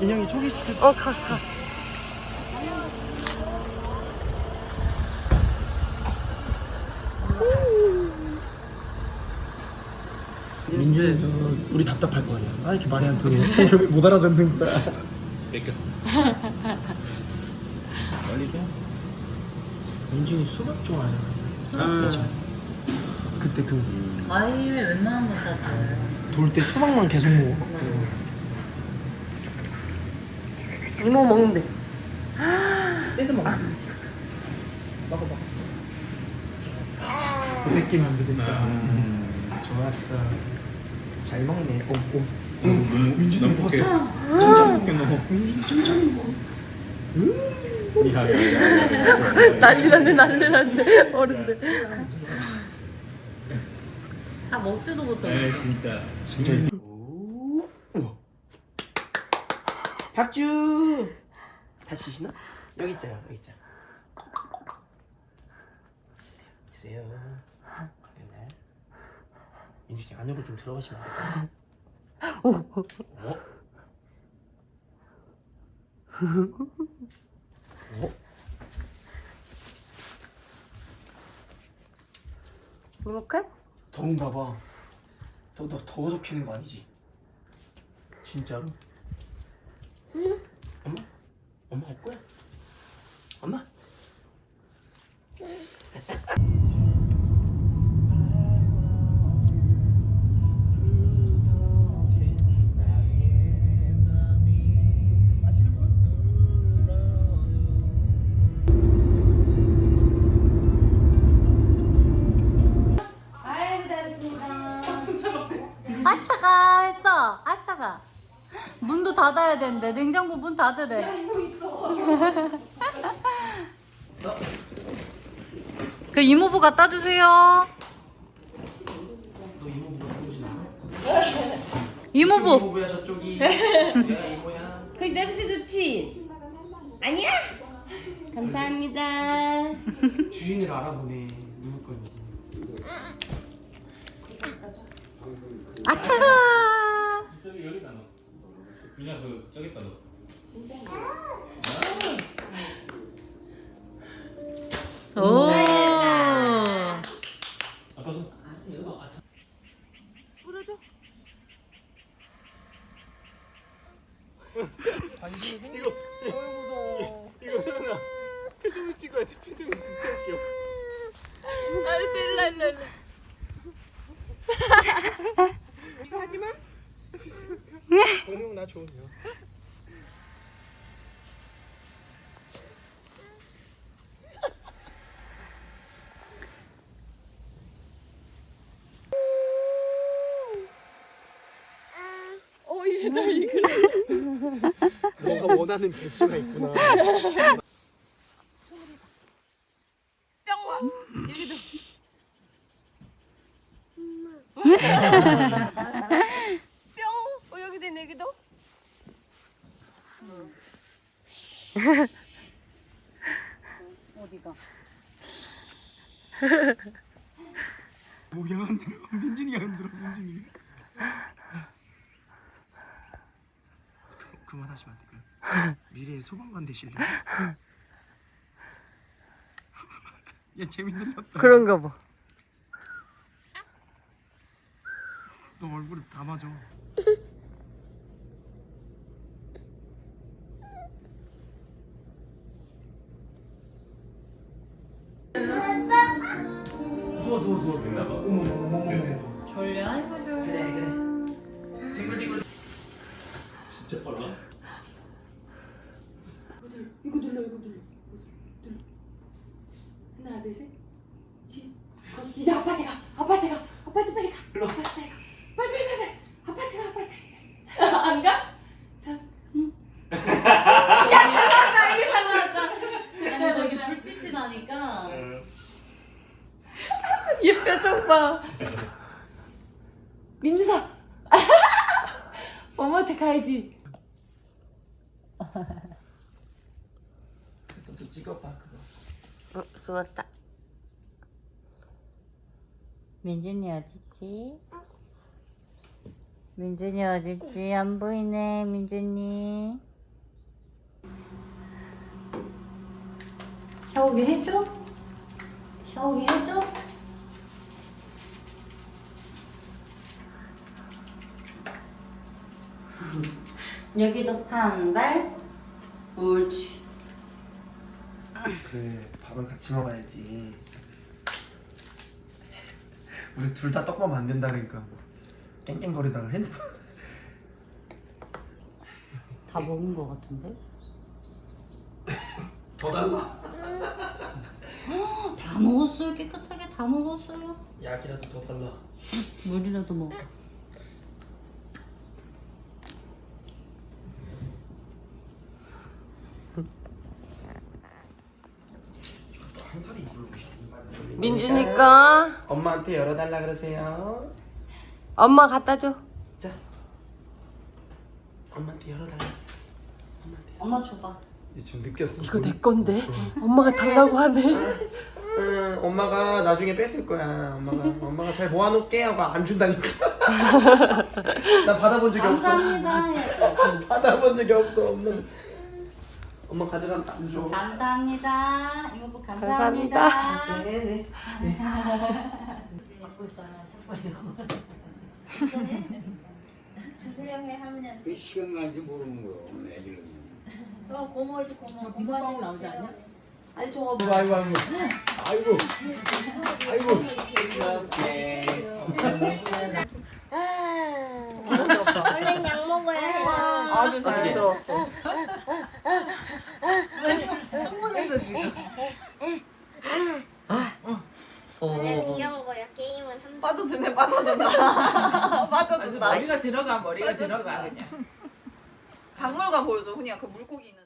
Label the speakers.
Speaker 1: 인형이 소개시켜.
Speaker 2: 가.
Speaker 1: 민준이도 우리 답답할 거 아니야. 아 이렇게 말이 안 통해. 못 알아듣는 거야.
Speaker 3: 뺏겼어. 빨리 줘.
Speaker 1: 민준이 수박 좋아하잖아. 그렇죠. 그때 그
Speaker 2: 과일 웬만한 건 다 좋아해.
Speaker 1: 돌 때 수박만 계속 먹어.
Speaker 2: 이모 먹는데.
Speaker 1: 뺏어 먹어. 먹어. 뺏기면 안 되니까. 좋았어. 잘 먹네. 꼼꼼. 민준이 먹었어.
Speaker 3: 천천히 먹게 넣어.
Speaker 1: 민준이 천천히 먹어.
Speaker 2: 난리 났네 어른들. 다 먹지도 못하고.
Speaker 3: 진짜.
Speaker 1: 우와. 박주. 다시 시나? 여기 있잖아. 주세요. 네. 민준이 안으로 좀 들어가시면 안 될까요?
Speaker 2: 행복해?
Speaker 1: 더운가 봐. 너 더워서 키는 거 아니지? 진짜로? 응? 엄마 할 거야? 엄마?
Speaker 2: 아차가 했어. 아차가. 문도 닫아야 되는데 냉장고 문 닫으래. 이모 있어. 그 이모부 갖다 주세요.
Speaker 1: 너 이모부가 누구지?
Speaker 2: 이모부.
Speaker 1: 이모부야 저쪽이. 내가 이모야.
Speaker 4: 그 냄새 좋지? 아니야? 감사합니다.
Speaker 1: 주인을 알아보네. 누구 건지.
Speaker 2: 아차가.
Speaker 3: 저기 여기다 넣어. 그냥 그 저기다 넣어.
Speaker 2: 오.
Speaker 3: 아빠 손.
Speaker 1: 관심이 생겨. 이거 소연아. 표정을 찍어야 돼. 표정이 진짜 웃겨.
Speaker 4: 일로.
Speaker 1: 이거 하지 마. 동영 나 좋은요.
Speaker 4: 이제 달리 그래.
Speaker 1: 너가 원하는 개수가 있구나.
Speaker 4: 여기도. 뿅. 여기도 있네 여기도. 어디가?
Speaker 1: 뭐야 안 들어. 민준이가 안 들어. 민준이. 그만하시면 안 될까요? 미래의 소방관 되실래요? 얘 재미 들렸다.
Speaker 2: 그런가 봐.
Speaker 1: 너 얼굴에 다 맞아. 누워.
Speaker 3: 됐나봐.
Speaker 1: 어머.
Speaker 2: 졸려? 아이고 졸려.
Speaker 1: 그래.
Speaker 3: 진짜 빨라.
Speaker 4: 이거 눌러. 하나 둘 셋. 이제 아파트 가. 아파트 빨리 가.
Speaker 1: 일로.
Speaker 4: 아파트 빨리 가. 빨리. 아파트 가. 안 가? 응. 야 잘 나왔다.
Speaker 2: 아니 거기 불빛이 나니까.
Speaker 4: 얘 표정 봐. 민주사. 엄마한테 가야지.
Speaker 1: 좀 찍어봐 그거.
Speaker 2: 숨었다. 민준이 어딨지? 민준이 어딨지? 안 보이네 민준이. 샤워기 해줘? 샤워기 해줘? 여기도 한 발. 옳지.
Speaker 1: 그래 밥은 같이 먹어야지. 우리 둘 다 떡밥 만든다니까 뭐 깽깽거리다가 핸드폰.
Speaker 2: 다 먹은 거 같은데?
Speaker 1: 더 달라.
Speaker 2: 다 먹었어요. 깨끗하게 다 먹었어요.
Speaker 1: 약이라도 더 달라.
Speaker 2: 물이라도 먹어.
Speaker 1: 한 살이 이불고 싶은.
Speaker 2: 민준이가
Speaker 1: 엄마한테 열어달라 그러세요.
Speaker 2: 엄마 갖다 줘.
Speaker 1: 자, 엄마한테 열어달라.
Speaker 2: 엄마 줘봐.
Speaker 1: 지금 느꼈어.
Speaker 2: 이거 내 건데. 엄마가 달라고 하네.
Speaker 1: 응, 엄마가 나중에 뺏을 거야. 엄마가 잘 모아놓을게 하고 안 준다니까. 나 받아본 적이 없어.
Speaker 2: 감사합니다.
Speaker 1: 받아본 적이 없어. 엄마 가져가면 안 줘.
Speaker 2: 감사합니다. 이모부 감사합니다.
Speaker 1: 네네.
Speaker 2: 갖고 있어요.
Speaker 5: 주세요 해 하면
Speaker 6: 그 시간 가는지 모르는 거요. 애기는.
Speaker 5: 고모지 고모.
Speaker 4: 저 민호빵 나오지 않냐?
Speaker 5: 아니 저거
Speaker 6: 아이고 아이고 아이고 아이고.
Speaker 5: 얼른 약 먹어야 해.
Speaker 4: 아주 자연스러웠어.
Speaker 5: 흥분했어 지금. 그냥 귀여운 거야. 게임은 한 번.
Speaker 4: 빠져드네 빠져든다. 빠져든다.
Speaker 7: 머리가 들어가 그냥. 박물관 보여줘 훈이야 그 물고기 있는